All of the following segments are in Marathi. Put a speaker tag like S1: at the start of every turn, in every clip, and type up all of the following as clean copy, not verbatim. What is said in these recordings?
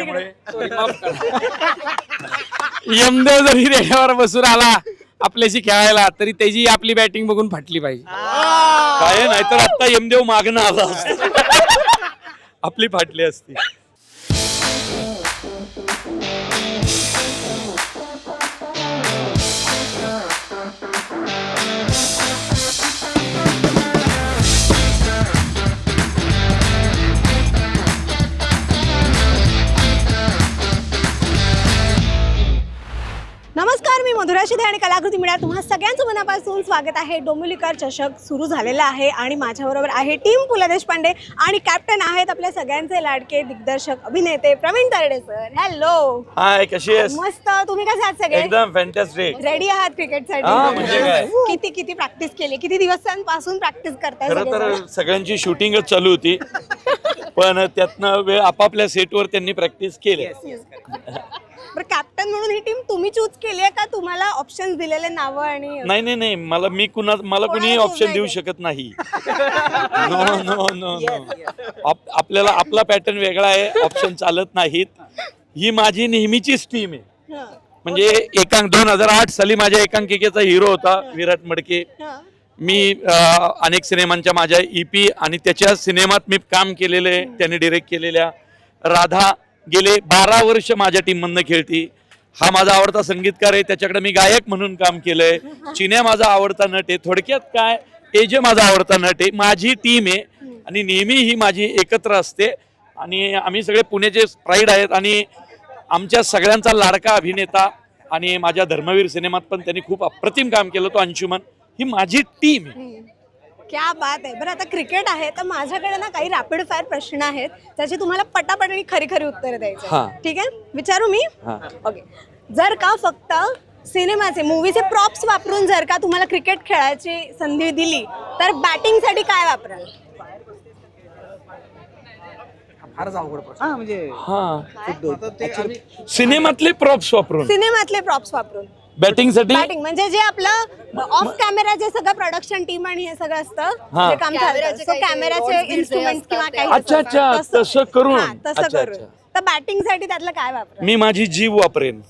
S1: असल्यामुळे
S2: यमदेव जरी रेड्यावर बसून आला आपल्याशी खेळायला तरी त्याची आपली बॅटिंग बघून फाटली पाहिजे.
S1: काय नाहीतर आता यमदेव मागणं आला असता आपली फाटली असती.
S3: नमस्कार, मी मधुरा शिधे आणि कलाकृती मीडिया तुम्हा सगळ्यांचं मनापासून स्वागत आहे. डोंबिवलीकर चषक सुरू झालेला आहे आणि माझ्याबरोबर आहे टीम पु ल देशपांडे आणि कॅप्टन आहेत आपल्या सगळ्यांचे लाडके दिग्दर्शक अभिनेते Pravin Tarde sir. Hello.
S1: Hi, कशी आहेस?
S3: मस्त. तुम्ही कसे आहात सगळे?
S1: एकदम फॅन्टॅस्टिक.
S3: रेडी आहात क्रिकेटसाठी?
S1: म्हणजे काय?
S3: किती प्रॅक्टिस केली? किती दिवसांपासून प्रॅक्टिस करताय?
S1: खरं तर सगळ्यांची शूटिंगच चालू होती पण त्यातनं वेळ आपापल्या सेटवर त्यांनी प्रॅक्टिस केली.
S3: बरं, कॅप्टन म्हणून ही टीम तुम्ही चूज केली आहे का तुम्हाला ऑप्शन्स दिलेले नावं? आणि
S1: नाही मला कुणी ऑप्शन देऊ शकत नाही. नो आपल्याला आपला पॅटर्न वेगळा आहे, ऑप्शन चालत नाहीत. ही माझी नेहमीचीच टीम आहे. म्हणजे 2008 साली माझ्या एकांकिकेचा हिरो होता विराट मडके. मी अनेक सिनेमांच्या माझ्या EP आणि त्याच्या सिनेमात मी काम केलेले, त्यांनी डिरेक्ट केलेल्या. राधा गेले 12 वर्ष माझ्या टीम मधनं खेळती. हा माझा आवडता संगीतकार आहे, त्याच्याकडे मी गायक म्हणून काम केलंय. चिन्या माझा आवडता नट आहे. थोडक्यात काय, एजे माझा आवडता नट आहे. माझी टीम आहे आणि नेहमी ही माझी एकत्र असते आणि आम्ही सगळे पुण्याचे प्राईड आहेत. आणि आमच्या सगळ्यांचा लाडका अभिनेता आणि माझ्या धर्मवीर सिनेमात पण त्यांनी खूप अप्रतिम काम केलं, तो अंशुमन. ही माझी टीम आहे.
S3: क्या बात आहे. बरं, आता क्रिकेट आहे तर माझ्याकडे ना काही रॅपिड फायर प्रश्न आहेत त्याची तुम्हाला पटापट आणि खरी खरी उत्तरं द्यायची. ठीक आहे, विचारू मी? ओके. जर का फक्त सिनेमाचे मूवीचे प्रॉप्स वापरून जर का तुम्हाला क्रिकेट खेळायची संधी दिली तर बॅटिंग साठी काय वापराल?
S1: सिनेमातले प्रॉप्स वापरून.
S3: सिनेमातले प्रॉप्स वापरून
S1: बॅटिंग साठी.
S3: बॅटिंग म्हणजे जे आपलं ऑफ कॅमेरा जे सगळं प्रोडक्शन टीम आणि हे सगळं असतं जे काम चालतं, सो कॅमेराचे इन्स्ट्रुमेंट्स किंवा काही
S1: अच्छा तसं करून.
S3: तसं करून तर बॅटिंग साठी त्यातलं काय वापराल?
S1: मी माझी जीभ वापरेन.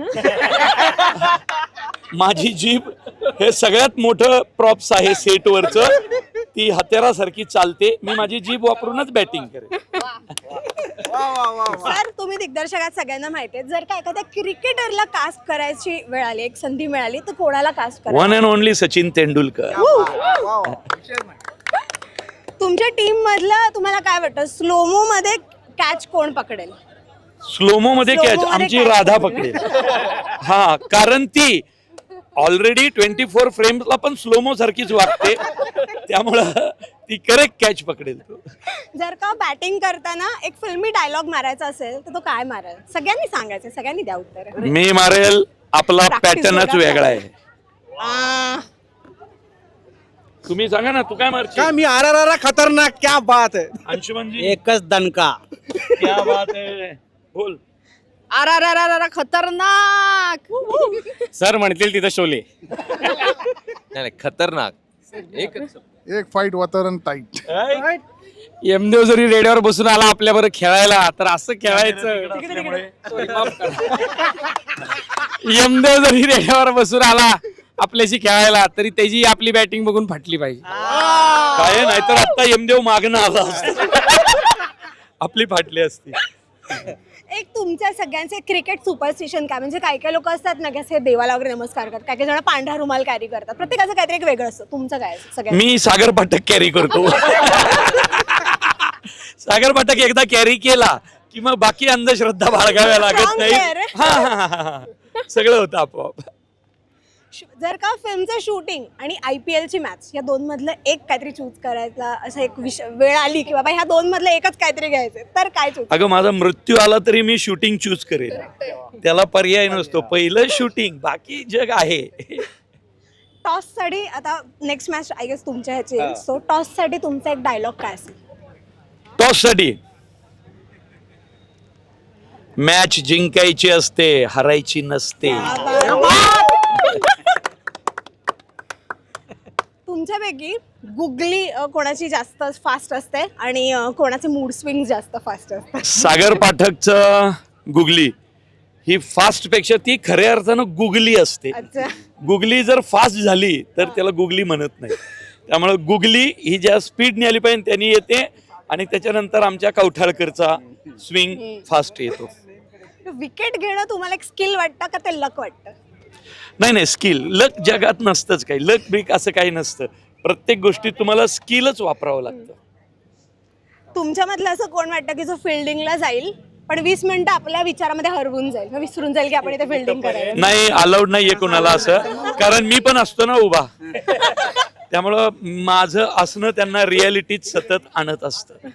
S1: माझी जीभ हे सगळ्यात मोठं प्रॉप्स आहे सेटवरचं. ती हत्यारासारखी चालते. मी माझी जीभ वापरूनच बॅटिंग करेन.
S3: सर, तुम्ही दिग्दर्शकात सगळ्यांना माहिती आहे, जर का एखाद्या क्रिकेटरला कास्ट करायची वेळ आली, एक संधी मिळाली तर कोणाला कास्ट कराल?
S1: One and only Sachin Tendulkar.
S3: तुमच्या टीम मधलं तुम्हाला काय वाटतं, स्लोमो मध्ये कॅच कोण पकडेल?
S1: स्लोमो मध्ये कॅच आमची राधा पकडेल. हा, कारण ती ऑलरेडी 24 फ्रेम्सला पण स्लोमो सारखीच वागते, त्यामुळं ती करेक्ट कॅच पकडेल.
S3: जर का बॅटिंग करताना एक फिल्मी डायलॉग मारायचा असेल तर तो काय माराल? सगळ्यांनी सांगायचं, सगळ्यांनी द्या उत्तर.
S1: मी मारेल, आपला पॅटर्नच वेगळा आहे. तुम्ही सांगा ना, तू काय मारशील?
S4: क्या मी आर खतरनाक, क्या बात है.
S1: अंशुमन जी,
S4: एकच दणका.
S1: क्या बात है, बोल.
S3: अर खतरनाक.
S2: सर म्हणतील तिथं शोले.
S5: नाही खतरनाक.
S6: एक फाईट वातावरण टाईट.
S2: यमदेव जरी रेड्यावर बसून आला आपल्याबरोबर खेळायला तर असं खेळायचं. यमदेव जरी रेड्यावर बसून आला आपल्याशी खेळायला तरी त्याची आपली बॅटिंग बघून फाटली पाहिजे.
S1: काय नाहीतर आता यमदेव मागणं आला असता आपली फाटली असती.
S3: एक तुमच्या सगळ्यांचे क्रिकेट सुपरस्टिशन काय, म्हणजे काही काही लोक असतात ना की असे देवाला वगैरे नमस्कार करतात, काही काही जण पांढरा रुमाल कॅरी करतात, प्रत्येकाचं काहीतरी एक वेगळं असतं. तुमचं काय सगळ्यांचं?
S1: मी सागर पाठक कॅरी करतो. सागर पाठक एकदा कॅरी केला की मग बाकी अंधश्रद्धा बाळगाव्या लागत नाही. हा, सगळं होतं आपोआप.
S3: जर का फिल्मचं शूटिंग आणि IPL ची मॅच या दोन मधलं एक काहीतरी चूज करायचा असं एक वेळ आली की बाबा ह्या दोन मधलं एकच काहीतरी घ्यायचं तर काय चूज?
S1: अगं, माझा मृत्यू आला तरी मी शूटिंग चूज करेन, त्याला पर्याय नसतो. पहिलं शूटिंग, बाकी जग आहे.
S3: टॉस साठी आता नेक्स्ट मॅच आय गेस तुमच्या ह्याची, सो टॉस साठी तुमचा एक डायलॉग काय असेल?
S1: टॉस साठी मॅच जिंकायची असते, हरायची नसते.
S3: तुमच्यापैकी गुगली कोणाची जास्त फास्ट असते आणि कोणाचे मूड स्विंग जास्त फास्ट असतात?
S1: सागर पाठकचं गुगली ही फास्टपेक्षा ती खऱ्या अर्थानं गुगली असते.
S3: अच्छा.
S1: गुगली जर फास्ट झाली तर त्याला गुगली म्हणत नाही. त्यामुळे गुगली ही ज्या स्पीडने आली पाहिजे त्यांनी येते आणि त्याच्यानंतर आमच्या कवठाळकरचा स्विंग फास्ट येतो.
S3: विकेट घेणं तुम्हाला एक स्किल वाटतं का ते लक वाटतं?
S1: नाही स्किल लक जगात नसतंच काही. लक ब्रिक असं काही नसतं. प्रत्येक गोष्टीत तुम्हाला स्किलच वापरावं लागतं.
S3: तुमच्यामधलं असं कोण वाटतं की जो फिल्डिंगला जाईल पण 20 मिनिटं आपल्या विचारामध्ये हरवून जाईल, मग विसरून जाईल की आपण इथे फिल्डिंग करायला?
S1: नाही, अलाउड नाहीये कोणाला असं, कारण मी पण असतो ना उभा. त्यामुळं माझं असणं त्यांना रियालिटीत सतत आणत असतं.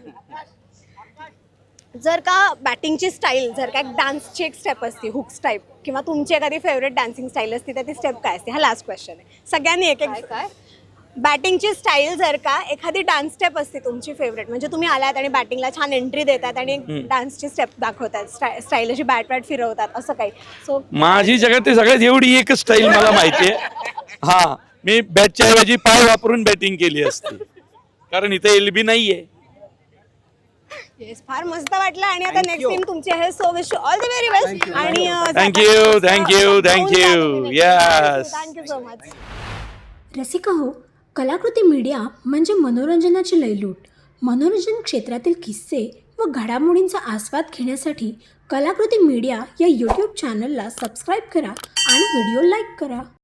S3: जर का बॅटिंगची स्टाईल, जर का डान्सची एक स्टेप असते हुक स्टेप, किंवा तुमची एखादी फेवरेट डान्सिंग स्टाईल असते तर ती स्टेप काय असते? हा लास्ट क्वेश्चन आहे. सगळ्यांनी एक एक काय बॅटिंगची स्टाईल, जर का एखादी डान्स स्टेप असते तुमची फेवरेट, म्हणजे तुम्ही आलात आणि बॅटिंगला छान एंट्री देतात आणि डान्सची स्टेप दाखवतात, स्टाईल अशी बॅट फिरवतात, असं काही? सो
S1: माझी जगात ते सगळ्यात एवढी एक स्टाईल मला माहितीये. हा, मी बॅटच्या ऐवजी पाय वापरून बॅटिंग केली असती, कारण इथे एलबी नाहीये.
S3: येस, फार मस्त वाटलं. आणि आता नेक्स्ट टीम तुमची आहे, so wish you all the very best. आणि
S1: thank you. Yes,
S3: thank you so much.
S7: Rasika हो, कलाकृती मीडिया म्हणजे मनोरंजनाची लयलूट. मनोरंजन क्षेत्रातील किस्से व घडामोडींचा आस्वाद घेण्यासाठी कलाकृती मीडिया या यूट्यूब चॅनलला सबस्क्राईब करा आणि व्हिडिओ लाईक करा.